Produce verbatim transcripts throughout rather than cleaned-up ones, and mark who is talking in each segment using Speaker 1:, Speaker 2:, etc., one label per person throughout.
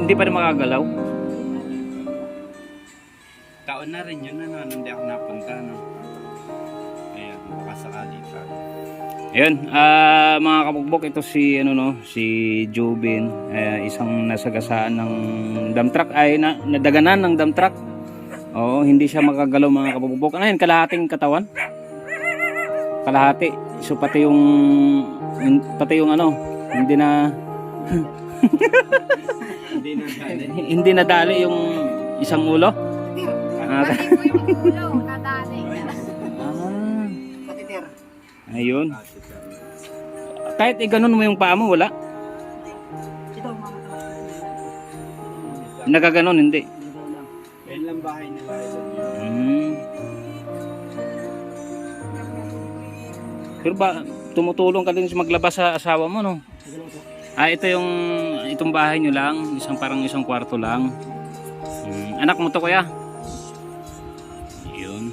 Speaker 1: hindi pa rin makagalaw.
Speaker 2: Taon na rin yun, ano, hindi ako napunta, no? Ayan, baka sakali pa.
Speaker 1: Ayun, ah mga kabugbok, ito si ano no, si Jubin, eh, isang nasagasaan ng dump truck ay na, nadaganan ng dump truck. Oo, hindi siya makagalaw mga kabugbok. Ano yun, kalahating katawan? Kalahati. So pati yung, yung pati yung ano, hindi na
Speaker 2: Hindi na dali.
Speaker 1: hindi nadali yung isang ulo. Ah,
Speaker 3: Pati mo yung ulo, nadali.
Speaker 1: ah, ayun. Kahit i ganun mo yung paa mo, wala. Nagaganon, hindi.
Speaker 2: Yan lang bahay nila.
Speaker 1: Hmm. Pero ba, tumutulong ka din sa maglabas sa asawa mo, no? Ah, ito yung, itong bahay nyo lang, isang parang isang kwarto lang. Hmm. Anak mo to, kuya? Yun.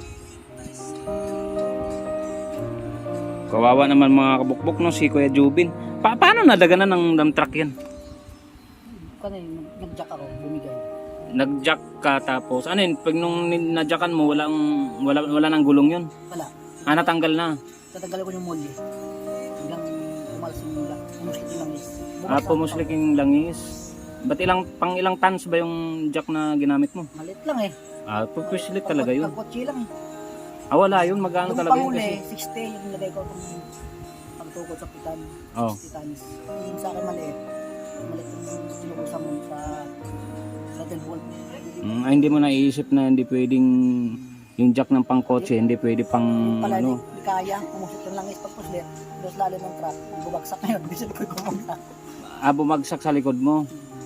Speaker 1: Kawawa naman mga kabukbok, no, si Kuya Jubin. Pa paano nadaganan ng dump truck yan?
Speaker 4: Kanay, nag-jack ako, bumigay.
Speaker 1: Nag-jack ka tapos, ano yun, pag nung na-jackan mo, walang, wala, wala nang gulong yun?
Speaker 4: Wala.
Speaker 1: Ah, natanggal na.
Speaker 4: Tatanggalin ko yung molly. Hanggang umalas yung mula. Pumuslit yung langis.
Speaker 1: Ah, pumuslik yung langis. Ba't ilang, pang ilang tons ba yung jack na ginamit mo?
Speaker 4: Malit lang eh.
Speaker 1: Ah, pumuslik talaga yun.
Speaker 4: Pagkotsi lang eh.
Speaker 1: Ah, wala yun, magkano
Speaker 4: Yung
Speaker 1: talaga yun
Speaker 4: panguli,
Speaker 1: kasi?
Speaker 4: sixty yung nilagay ko itong pagtukot sa pitan.
Speaker 1: Oh.
Speaker 4: sixty tons. Yung sa akin maliit. Maliit yung sinukusa mo sa sa ten volt.
Speaker 1: Mm, ay, hindi mo naiisip na hindi pwedeng yung jack ng pangkotse, hindi pwede pang
Speaker 4: Pala
Speaker 1: ano.
Speaker 4: hindi kaya. Pumuslit yung langis pagpuslit. Dos lalim ng truck. Bubagsak na yun. Bisit ko kumagsak.
Speaker 1: Ah, bumagsak sa likod mo.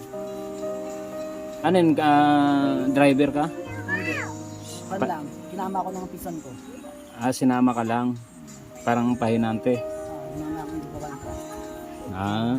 Speaker 1: Ano yun, ah, driver ka?
Speaker 4: Hindi. Pan lang. Kinama ko ng pisan ko.
Speaker 1: Ah, sinama ka lang. Parang pahinante.
Speaker 4: Ah, kinama ko yung bubagsak.
Speaker 1: Ah.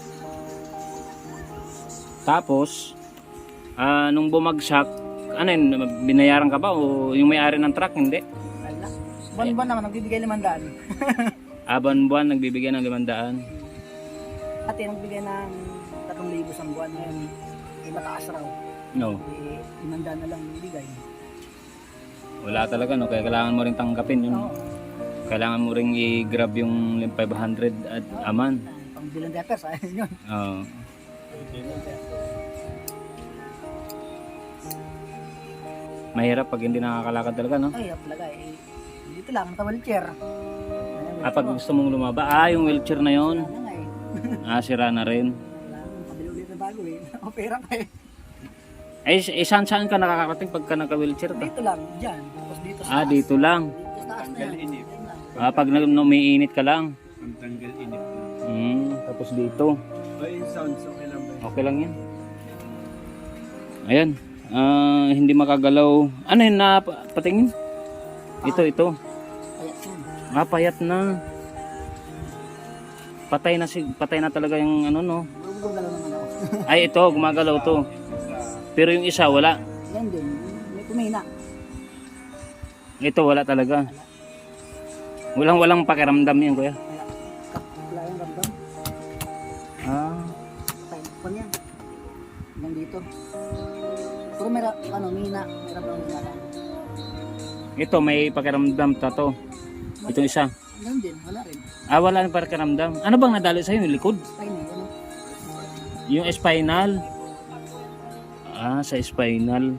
Speaker 1: Tapos, ah, nung bumagsak, ano yun, binayaran ka ba o yung may-ari ng truck, hindi?
Speaker 4: Wala. Buwan-buwan naman, nagbibigay limandaan.
Speaker 1: Ah, buwan-buwan nagbibigay ng limandaan.
Speaker 4: Ate, nagbigay ng tatlong libo sa buwan ngayon. Eh, mataas raw.
Speaker 1: No.
Speaker 4: Eh, limandaan na lang bibigay.
Speaker 1: Wala talaga, no? Kaya kailangan mo rin tanggapin yun.
Speaker 4: Oo.
Speaker 1: Kailangan mo rin i-grab yung five hundred at aman.
Speaker 4: Pang bilang diapers, ayun yun.
Speaker 1: Oo. Mahirap pag hindi nakakalakad talaga, no?
Speaker 4: Ay, talaga eh. Dito lang, naka-wheelchair.
Speaker 1: Ah, pag gusto mong lumaba, ah, yung wheelchair na yon.
Speaker 4: Wala nga eh.
Speaker 1: Ah, sira na rin.
Speaker 4: Wala, kabili ulit na bago eh. Opera pa eh.
Speaker 1: Ay, eh, saan saan ka nakakarating pagka naka-wheelchair ka?
Speaker 4: Dito lang, dyan. Tapos dito sa
Speaker 1: Ah,
Speaker 4: taas.
Speaker 1: dito lang.
Speaker 4: Dito sa taas na yan.
Speaker 2: Inip.
Speaker 4: Yan lang.
Speaker 1: Ah, pag nag- umiinit ka lang.
Speaker 2: Ang tanggal inip na.
Speaker 1: Hmm, tapos dito.
Speaker 2: O yung sounds, okay lang ba?
Speaker 1: Okay lang yan. Ayan. Ah, hindi makagalaw. Ano yun na pa- patingin? Ito, ito.
Speaker 4: Kaya yun.
Speaker 1: Ah, payat na. Patay na si patay na talaga yung ano no.
Speaker 4: Gumagalaw naman ako.
Speaker 1: Ay, ito, gumagalaw to. Pero yung isa wala.
Speaker 4: Yan din. May kumina.
Speaker 1: Ito wala talaga. Walang walang pakiramdam yan, kuya.
Speaker 4: Wala. Wala yung ramdam.
Speaker 1: Ah,
Speaker 4: Tayo pa niya. Hanggang dito. Pero may ra- ano, mina. May ramdam na lang.
Speaker 1: ito may pakiramdam ta to. Itong isa.
Speaker 4: Yan din. Wala rin.
Speaker 1: Ah, wala nang pakiramdam. Ano bang nadali sa'yo? Yung likod?
Speaker 4: Spine eh. Ano?
Speaker 1: Yung spinal. Ah, sa spinal.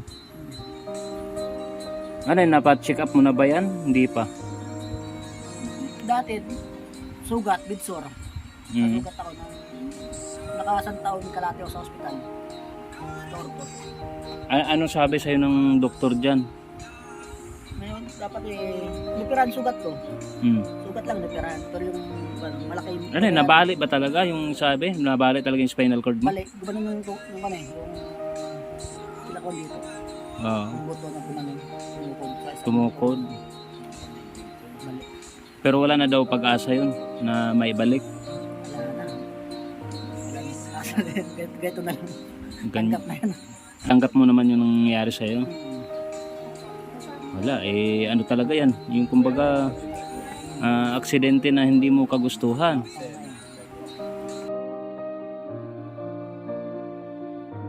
Speaker 1: Ano yun, napa-check up mo na ba yan? Hindi pa.
Speaker 4: Dati, sugat, bidsor.
Speaker 1: Mm.
Speaker 4: Nasugat ako ng nakasang taon kalate ako sa ospital. Torto.
Speaker 1: A- ano sabi sa'yo ng doktor dyan?
Speaker 4: Ngayon, dapat eh, lipiran sugat ko.
Speaker 1: Hmm.
Speaker 4: Sugat lang lipiran. Pero yung ano, malaki yung...
Speaker 1: Ano yun, nabali ba talaga yung sabi? Nabali talaga yung spinal cord mo?
Speaker 4: Balik, gumanon yung, yung, yung, ano eh, yung pilakon dito.
Speaker 1: Oo.
Speaker 4: Yung buto na gumanon. Tumukod. sa isang-
Speaker 1: Tumukod.
Speaker 4: Balik.
Speaker 1: Pero wala na daw pag-asa yun na maibalik.
Speaker 4: Wala na. Wala na. Ganito- Ganito na lang.
Speaker 1: Gan-
Speaker 4: Tanggap na yan.
Speaker 1: tanggap mo naman yung nangyayari sa'yo.
Speaker 4: Hmm.
Speaker 1: Wala, eh ano talaga yan. Yung kumbaga, ah, aksidente na hindi mo kagustuhan.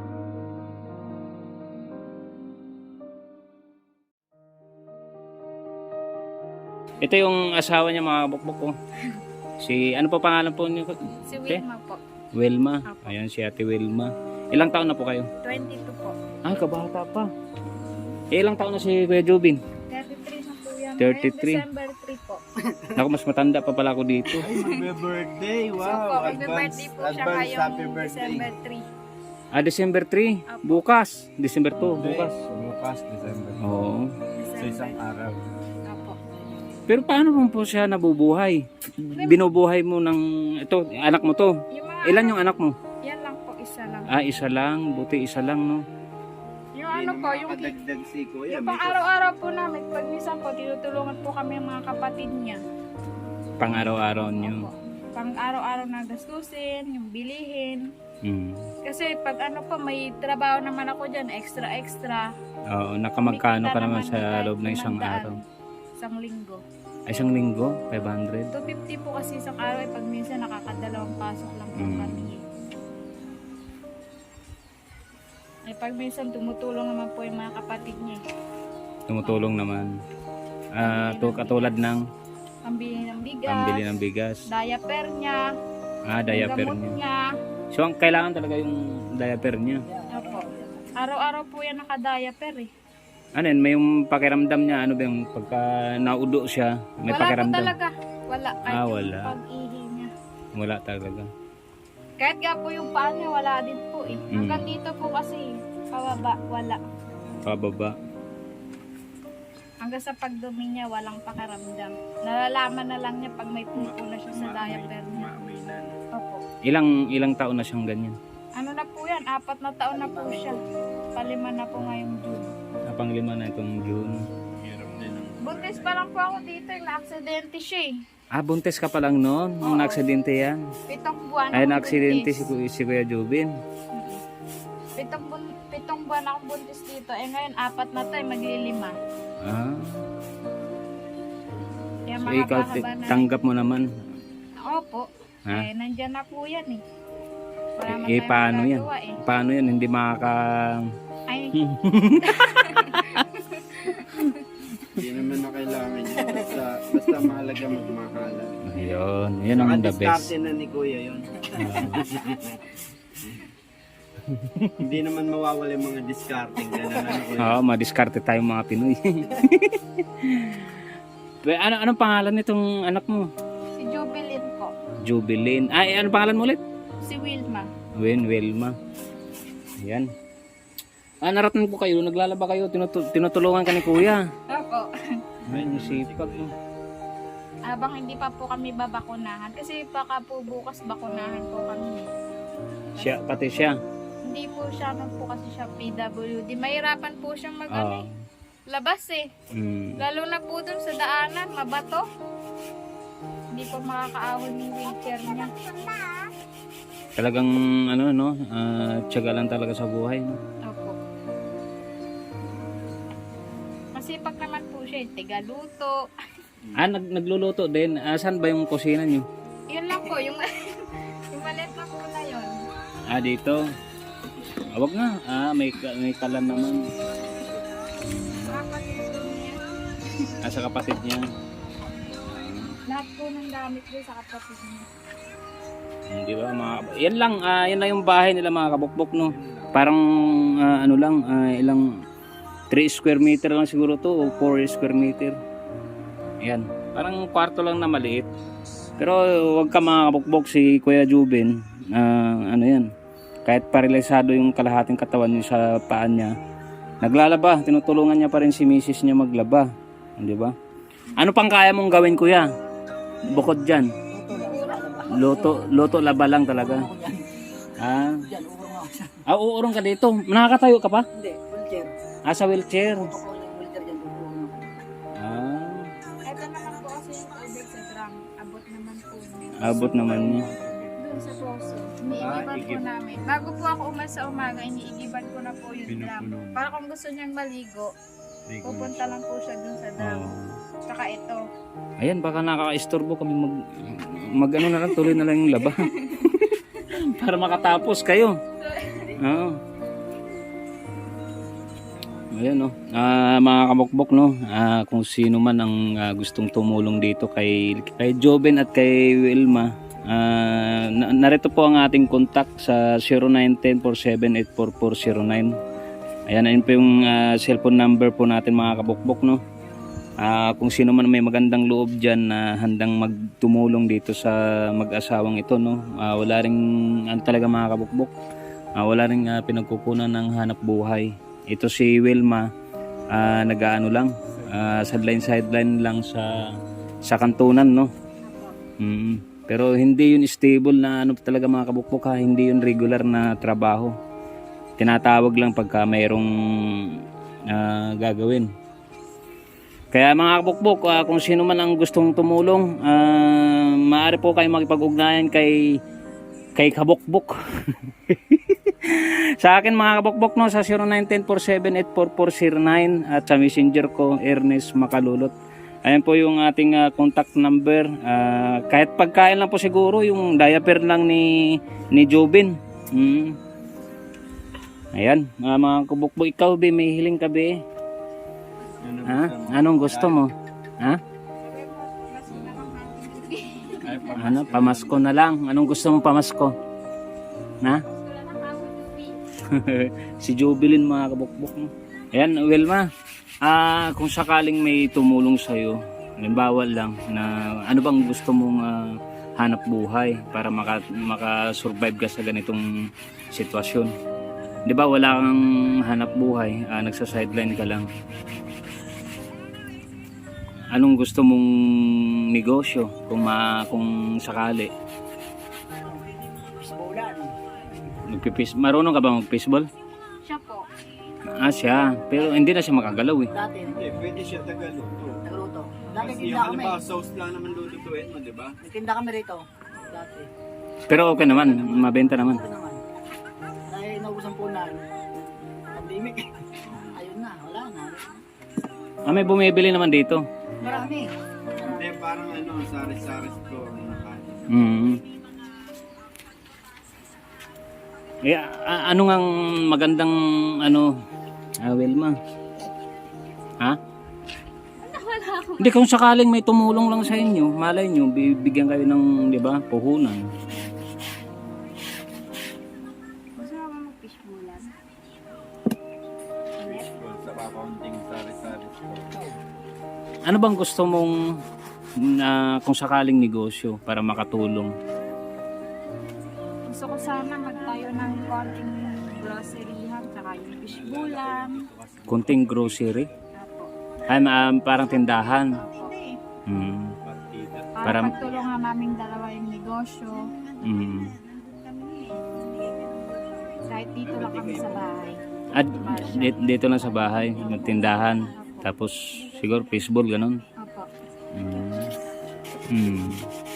Speaker 1: Ito yung asawa niya mga kabukbok ko. Si, ano pa pangalan po niyo?
Speaker 3: Si
Speaker 1: Te?
Speaker 3: Wilma po.
Speaker 1: Wilma.
Speaker 3: Apo.
Speaker 1: Ayan si Ate Wilma. Ilang taon na po kayo?
Speaker 3: twenty-two po.
Speaker 1: Ah, kabata pa. Eh, ilang taon na si Kuya Jubin?
Speaker 3: thirty-three na po yan.
Speaker 1: thirty-three.
Speaker 3: Ngayon, December three po.
Speaker 1: Naku, mas matanda pa pala ako dito.
Speaker 2: Ay, magbe-birthday.
Speaker 3: So po,
Speaker 2: Wow.
Speaker 3: magbe-birthday po siya
Speaker 2: advance
Speaker 3: ngayong
Speaker 2: happy birthday.
Speaker 3: December three.
Speaker 1: Ah, December three.
Speaker 3: Apo.
Speaker 1: Bukas. December two. Bukas.
Speaker 2: Bukas, December.
Speaker 1: Oo.
Speaker 2: Sa isang araw.
Speaker 3: Apo.
Speaker 1: Pero paano mo po siya nabubuhay? Binubuhay mo ng... Ito, anak mo to.
Speaker 3: Yung mga,
Speaker 1: Ilan yung anak mo?
Speaker 3: yan lang po, isa lang.
Speaker 1: Ah, isa lang. Buti isa lang, no?
Speaker 3: Yung ano po, yung,
Speaker 2: Kadagdag si Kuya.
Speaker 3: yung pang araw-araw po namin, pag minsan po, tinutulungan po kami ng mga kapatid niya.
Speaker 1: Pang araw-araw niyo.
Speaker 3: Opo. Pang araw-araw na gastusin, yung bilihin.
Speaker 1: Hmm.
Speaker 3: Kasi pag ano po, may trabaho naman ako dyan, extra-extra.
Speaker 1: Oo, nakamagkano ka
Speaker 3: Kumikita
Speaker 1: naman sa
Speaker 3: kahit
Speaker 1: loob ng isang
Speaker 3: limandaan.
Speaker 1: araw?
Speaker 3: Isang linggo.
Speaker 1: Ay, isang linggo? five hundred?
Speaker 3: two fifty po kasi isang araw, eh, pag minsan nakakadalawang pasok lang po
Speaker 1: Mm.
Speaker 3: kami. Eh. eh pag minsan tumutulong naman po yung mga kapatid niya. eh.
Speaker 1: Tumutulong naman. Ah, to, katulad ng
Speaker 3: Pambili ng bigas,
Speaker 1: pambili ng bigas.
Speaker 3: diaper niya,
Speaker 1: Ah,
Speaker 3: yung
Speaker 1: diaper
Speaker 3: gamot
Speaker 1: niya.
Speaker 3: niya.
Speaker 1: So, ang kailangan talaga yung diaper niya.
Speaker 3: Opo. Araw-araw po yan naka-diaper eh.
Speaker 1: Ano yun, may yung pakiramdam niya, ano ba yung pagka naudo siya, may
Speaker 3: wala po
Speaker 1: pakiramdam?
Speaker 3: talaga. Wala. Kahit
Speaker 1: Ah,
Speaker 3: yung
Speaker 1: wala.
Speaker 3: pag-ihi niya.
Speaker 1: Wala talaga.
Speaker 3: Kahit nga po yung paa niya, wala din po eh.
Speaker 1: Mm.
Speaker 3: Hanggang dito po kasi, pababa, wala.
Speaker 1: Pababa.
Speaker 3: Hanggang sa pagdumi niya, walang pakiramdam. Nalalaman na lang niya pag may pupo na siya sa diaper niya.
Speaker 2: Maamoy na.
Speaker 3: Opo.
Speaker 1: Ilang ilang taon na siyang ganyan?
Speaker 3: Ano na po yan? Apat na taon na po siya. Palima na po ngayong June.
Speaker 1: Napang lima na itong June.
Speaker 2: Hirap din ang...
Speaker 3: Buntis pa lang po ako dito, yung na-aksidente siya eh.
Speaker 1: Ah, buntis ka pa lang noon, nung
Speaker 3: Oo.
Speaker 1: na-aksidente yan.
Speaker 3: Pitong buwan
Speaker 1: Ay,
Speaker 3: akong
Speaker 1: na-aksidente si,
Speaker 3: buntis.
Speaker 1: Ku- si Kuya Jubin.
Speaker 3: Mm-mm. Pitong, bun- pitong buwan akong buntis dito. Eh ngayon, apat na tayo, maglilima.
Speaker 1: Ah,
Speaker 3: Kaya
Speaker 1: so ikaw ti-
Speaker 3: mahaba-haba na.
Speaker 1: tanggap mo naman.
Speaker 3: Opo.
Speaker 1: Ha?
Speaker 3: Eh, nandyan na po yan eh. Wala man
Speaker 1: Eh,
Speaker 3: tayong
Speaker 1: paano yan?
Speaker 3: magagawa eh.
Speaker 1: Paano yan? Hindi makaka...
Speaker 3: Ay,
Speaker 2: Hindi naman na kailangan yun. Basta, basta mahalaga magmakalan.
Speaker 1: Ayun, yun ang the best.
Speaker 2: Nakadiskarte na ni Kuya yun. Hindi naman mawawala yung mga discarding. Ganun ano Kuya.
Speaker 1: Oo, madiskarte tayo mga Pinoy. Pero ano anong pangalan nitong anak mo?
Speaker 3: si Jubilin po.
Speaker 1: Jubilin. Ay, ano pangalan mo ulit?
Speaker 3: Si Wilma.
Speaker 1: Wen Wilma. Ayan. Ah, narating po kayo, naglalaba kayo, tinutu- tinutulungan ka ni Kuya.
Speaker 3: Opo.
Speaker 1: Ay, sipag mo.
Speaker 3: Habang hindi pa po kami babakunahan. Kasi baka po bukas bakunahan po kami.
Speaker 1: Siya, pati siya.
Speaker 3: Hindi po siya, ano po kasi siya P W D. Mahirapan po siyang mag ano
Speaker 1: Ah.
Speaker 3: eh, labas eh.
Speaker 1: Mm.
Speaker 3: Lalo na po dun sa daanan, mabato. Hindi po makakaahon yung wheelchair niya.
Speaker 1: Talagang ano no, ah, tiyaga lang talaga sa buhay. No?
Speaker 3: Opo. Masipag naman po siya, eh, tigaluto.
Speaker 1: Ah, nag nagluluto din. Ah, saan ba yung kusina niyo?
Speaker 3: Yun lang po, yung, yung maliit na po na yun.
Speaker 1: Ah, dito. Ah, wag na. Ah, may ka- may kalan naman.
Speaker 3: Makakalimutan niya.
Speaker 1: Ah, sa kapatid niya.
Speaker 3: Lahat po ng gamit ko sa kapatid niya.
Speaker 1: Hindi ba mga yan lang, ah, yan lang yung bahay nila mga kabukbok no. Parang ah, ano lang, ah, ilang three square meter lang siguro to o four square meter. Yan. Parang kwarto lang na maliit. Pero wag ka mga kabukbok si Kuya Jubin, ah, ano yan. Kahit paralisado yung kalahating katawan niya sa paan niya, naglalaba, tinutulungan niya pa rin si misis niya maglaba, di ba? Ano pang kaya mong gawin Kuya? Bukod diyan. Loto, loto laba lang talaga.
Speaker 4: Ako dyan.
Speaker 1: Ah,
Speaker 4: Dyan, urong ako siya.
Speaker 1: ah uurong ka dito. Nakakatayo ka pa?
Speaker 4: Hindi, wheelchair.
Speaker 1: Ah, sa wheelchair.
Speaker 4: Ako yung wheelchair dyan, urong ako.
Speaker 1: Ah,
Speaker 3: Ito naman po kasi yung tubig sa drum. Abot naman po.
Speaker 1: abot naman niya.
Speaker 3: Doon sa poso.
Speaker 2: Ah,
Speaker 3: Iniigiban po
Speaker 2: igib.
Speaker 3: namin. Bago po ako umas sa umaga, iniigiban ko na po yung drum.
Speaker 2: Pinupuno mo.
Speaker 3: Para kung gusto niyang maligo, pupunta lang po siya doon sa drum.
Speaker 1: Oh.
Speaker 3: Saka ito.
Speaker 1: Ayan, baka nakaka-istorbo kami mag, mag ano na lang, tuloy na lang yung laba. Para makatapos kayo. Oo. Ayan no. Ah, mga kabukbok no. Ah, kung sino man ang ah, gustong tumulong dito kay kay Joven at kay Wilma. Ah, na- narito po ang ating contact sa zero nine one zero four seven eight four four zero nine. Ayan, ayun po yung ah, cellphone number po natin mga kabukbok no. Ah, kung sino man may magandang loob diyan na handang magtumulong dito sa mag-asawang ito no. Ah, wala ring ano talaga mga kabukbok. Ah, wala ring ah, pinagkukunan ng hanap buhay. Ito si Wilma, ah, nag-aano lang, ah, sideline sideline lang sa sa kantunan no. Mm. Pero hindi yun stable na ano talaga mga kabukbok ha, hindi yun regular na trabaho. Tinatawag lang pagka mayroong ah, gagawin. Kaya mga kabukbok, ah, kung sino man ang gustong tumulong, ah, maaari po kayo makipag-ugnayan kay kay Kabukbok. Sa akin mga kabukbok no, sa zero nine one zero four seven eight four four zero nine at sa messenger ko Ernest Makalulot. Ayan po yung ating uh, contact number. Uh, kahit pagkain lang po siguro, yung diaper lang ni ni Jobin. Mm. Ayan, uh, mga kabukbok, ikaw be, may hiling ka be.
Speaker 2: Ano
Speaker 1: Ha? Anong gusto mo? Ha?
Speaker 2: Ay, pa-
Speaker 1: Ano, pamasko na lang. Anong gusto mong pamasko? Ha? Si Jobilin mga kabukbok. Ayan, Wilma. Ah, kung sakaling may tumulong sa iyo, halimbawa lang na ano bang gusto mong ah, hanap buhay para maka maka-survive ka sa ganitong sitwasyon. 'Di ba wala kang hanap buhay, ah, nagsa-sideline ka lang. Anong gusto mong negosyo kung ma kung sakali?
Speaker 4: Baseball.
Speaker 1: Magpipis, marunong ka ba mag-baseball?
Speaker 3: Siya po.
Speaker 1: Ah, siya. Pero hindi na siya makagalaw eh.
Speaker 4: Dati,
Speaker 2: Hindi, pwede siya tagaluto.
Speaker 4: nagluto. Dati
Speaker 2: Kasi
Speaker 4: tinda
Speaker 2: yung
Speaker 4: kami.
Speaker 2: halimbawa, sauce lang naman lulutuin mo, di ba?
Speaker 4: Nagtinda kami rito. Dati.
Speaker 1: Pero okay naman, mabenta naman.
Speaker 4: Ito naman. Dahil naubusan po na. Pandemic. Ayun na, wala na.
Speaker 1: Ah, may bumibili naman dito.
Speaker 4: Marami.
Speaker 2: Hindi, parang ano, sari-sari store na kanin.
Speaker 1: Mm. Eh, a- ano ngang magandang ano, ah, Wilma? Ha? Hindi, kung sakaling may tumulong lang sa inyo, malay nyo, bibigyan kayo ng, di ba, puhunan.
Speaker 3: Gusto mo ba mag-fishbowlan?
Speaker 2: Fishbowl sa kaunting sari-sari store.
Speaker 1: Ano bang gusto mong na kung sakaling negosyo para makatulong?
Speaker 3: Gusto ko sana magtayo ng konting groceryhan, tsaka yung fishbowlan.
Speaker 1: Kunting grocery?
Speaker 3: Apo.
Speaker 1: Ay, um, parang tindahan.
Speaker 3: Apo.
Speaker 1: Mm.
Speaker 2: Partida.
Speaker 3: Para
Speaker 1: Parang-
Speaker 3: pagtulungan namin dalawa yung negosyo.
Speaker 1: Mm.
Speaker 3: Kahit dito lang kami sa bahay.
Speaker 1: At dito, dito lang sa bahay, magtindahan. Tapos siguro baseball ganun.
Speaker 3: Apo.
Speaker 1: Mm. Mm.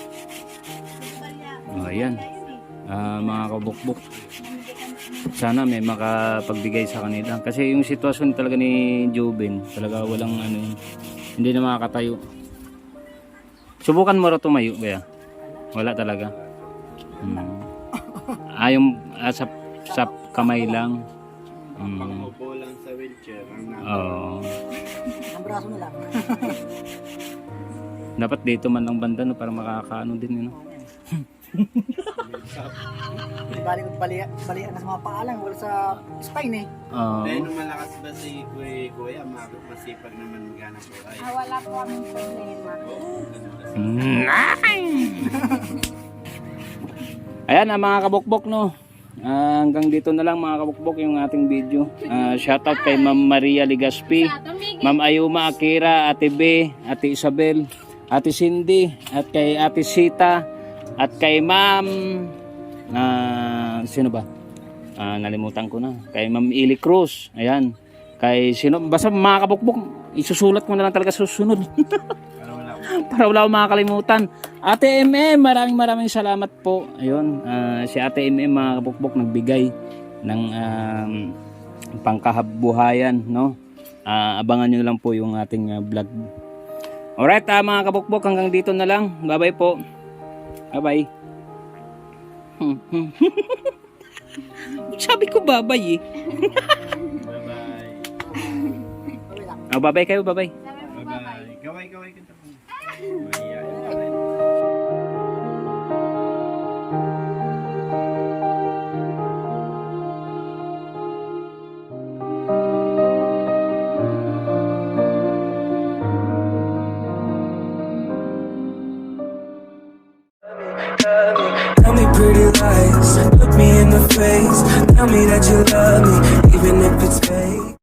Speaker 1: Oh, ayan. Ah, mga kabukbok. Sana may makapagbigay sa kanila. Kasi yung sitwasyon talaga ni Jobin, talaga walang ano, yun. Hindi na makakatayo. Subukan mo rin tumayo, kaya? Wala talaga. Mm. Ah, yung ah, sa, sa kamay lang. Mm.
Speaker 2: Pang-upo lang sa wheelchair. Ang nasa.
Speaker 1: Oo.
Speaker 4: Ang braso na lang.
Speaker 1: Dapat dito man lang banda no, para makakaano din yun. No?
Speaker 4: Bali ko bali bali na sa mga paalang wala sa spine eh.
Speaker 1: Oo.
Speaker 2: Dahil nung malakas ba si Kuya, Kuya, ma- masipag naman maghanap buhay.
Speaker 3: Ah, wala po kaming problema.
Speaker 1: Ayan ah, mga kabukbok no. Ah, hanggang dito na lang mga kabukbok yung ating video. Ah, shoutout kay Ma'am Maria Ligaspi, Ma'am Ayuma Akira, Ate B, Ate Isabel, Ate Cindy, at kay Ate Sita, at kay Ma'am ah, sino ba? Ah, nalimutan ko na. Kay Ma'am Ili Cruz. Ayan. Kay sino? Basta mga kabukbok, isusulat ko na lang talaga sa susunod.
Speaker 2: Para wala ko.
Speaker 1: Para wala akong makakalimutan. Ate M M, maraming maraming salamat po. Ayun, ah, si Ate M M mga kabukbok nagbigay ng um, pangkahabuhayan, no? Ah, abangan nyo lang po yung ating ah, vlog. Alright, ah, mga kabukbok, hanggang dito na lang. Bye-bye po. Bye-bye. Sabi ko bye-bye eh.
Speaker 2: Bye-bye.
Speaker 1: Oh, babay kayo, babay.
Speaker 3: Sabi mo ba kayo?
Speaker 2: Bye-bye. Gaway-gaway ka tapos. Mahihayin ka rin.
Speaker 5: Tell me pretty lies, look me in the face. Tell me that you love me, even if it's fake.